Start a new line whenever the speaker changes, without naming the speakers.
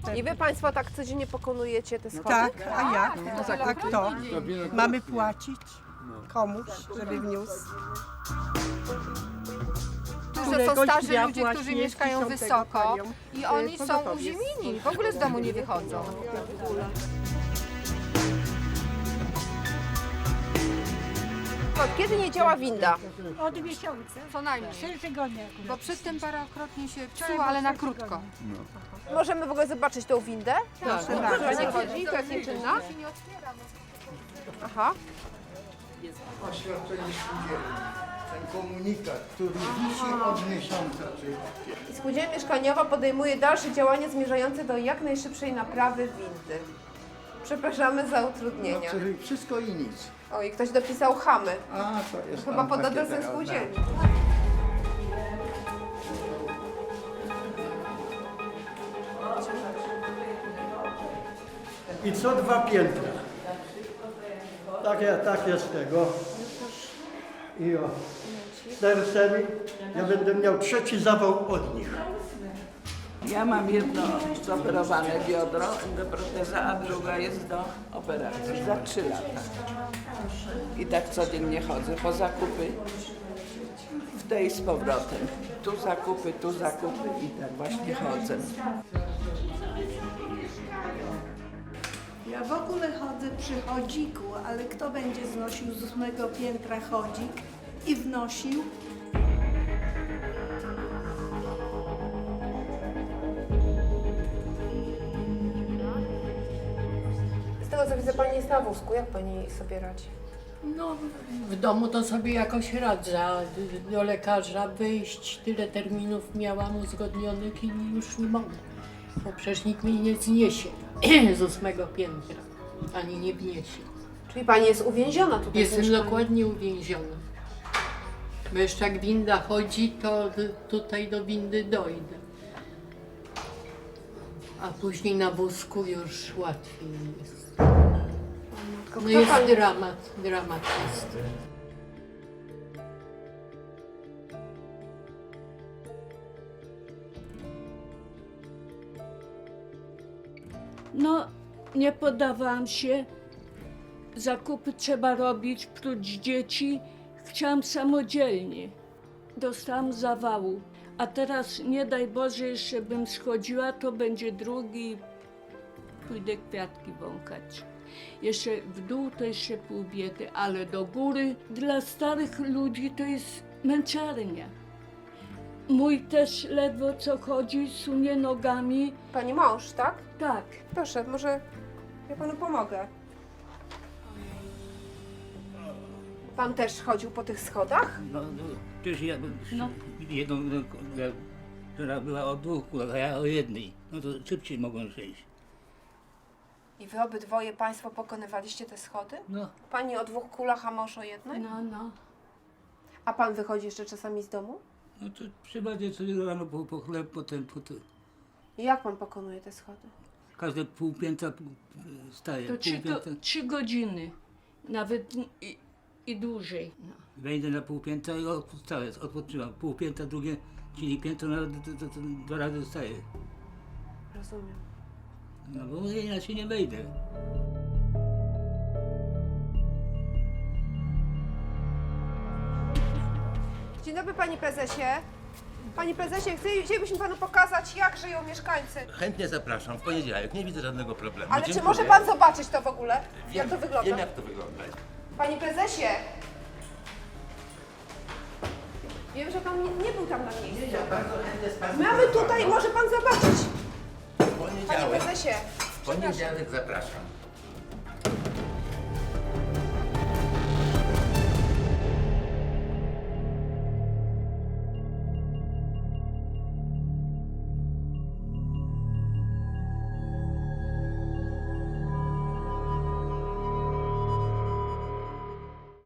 I wy państwo tak codziennie pokonujecie te schody?
Tak, a jak? A kto? Mamy płacić komuś, żeby wniósł.
To są
Któregoś
starzy
dnia
ludzie, którzy
właśnie
mieszkają
10
wysoko
panią,
i oni są
pogotowie.
uziemieni, w ogóle z domu nie wychodzą.
Kiedy nie działa winda?
Od miesiąca.
Co najmniej.
3 tygodnie.
Bo przedtem parokrotnie się psuło, ale na krótko.
Możemy w ogóle zobaczyć tą windę?
Proszę
Która
bardzo.
nie chodzi, to jest nieczynna? Aha.
Oświadczenie spółdzielni. Ten komunikat, który wisi od miesiąca.
I spółdzielnia mieszkaniowa podejmuje dalsze działania zmierzające do jak najszybszej naprawy windy. Przepraszamy za utrudnienia.
Czyli wszystko i nic.
Oj, ktoś dopisał chamy.
A, to jest
Chyba
tam
pod
takie
adresem
teraz,
spółdzielni.
I co 2 piętra. Tak jest tego. I o. Sercemi ja będę miał 3. zawał od nich.
Ja mam jedno zoperowane biodro do proteza, a druga jest do operacji za 3 lata. I tak codziennie chodzę po zakupy w tej z powrotem. Tu zakupy i tak właśnie chodzę.
Ja w ogóle chodzę przy chodziku, ale kto będzie znosił z 8 piętra chodzik i wnosił?
Z tego co widzę, pani jest na wózku. Jak pani sobie radzi?
No, w domu to sobie jakoś radzę, a do lekarza wyjść, tyle terminów miałam uzgodnionych i już nie mogę. Bo przecież nikt mnie nie zniesie z 8 piętra, ani nie wniesie.
Czyli pani jest uwięziona tutaj w
Jestem
mieszkaniu.
dokładnie uwięziona. Bo jeszcze jak winda chodzi, to tutaj do windy dojdę. A później na wózku już łatwiej jest.
Tylko
No
kto
jest
pani...
dramat jest.
No, nie poddawałam się. Zakupy trzeba robić, prócz dzieci. Chciałam samodzielnie. Dostałam zawału. A teraz, nie daj Boże, jeszcze bym schodziła, to będzie drugi. Pójdę kwiatki wąkać. Jeszcze w dół to jeszcze pół biedy, ale do góry dla starych ludzi to jest męczarnia. Mój też ledwo co chodzi, sunie nogami.
Pani mąż, tak?
Tak.
Proszę, może ja panu pomogę. Pan też chodził po tych schodach?
No, przecież ja jedną, która była o 2 kulach, a ja o 1. No to szybciej mogą przejść.
I wy obydwoje państwo pokonywaliście te schody?
No,
Pani o 2 kulach, a mąż o 1?
No.
A pan wychodzi jeszcze czasami z domu?
no to przybadzie sobie rano po chleb, potem
I jak pan pokonuje te schody?
każde pół piętra staje.
To
Pół piętra,
3 godziny, nawet i dłużej. No.
wejdę na pół piętra i wstaję, odpoczywam. Pół piętra, drugie, czyli piętro nawet to 2 razy staję.
Rozumiem.
No bo inaczej nie wejdę.
Dzień dobry panie prezesie. Panie prezesie, chcielibyśmy panu pokazać, jak żyją mieszkańcy.
Chętnie zapraszam, w poniedziałek, nie widzę żadnego problemu.
Ale czy
Dziękuję.
może pan zobaczyć to w ogóle?
Wiem,
Jak to wygląda?
Wiem, jak to wygląda.
Panie prezesie! Wiem, że pan nie był tam na miejscu.
Ja bardzo chętnie z Państwem
Mamy tutaj,
porozmawiam.
może pan zobaczyć.
W
Panie
poniedziałek,
prezesie,
w poniedziałek zapraszam.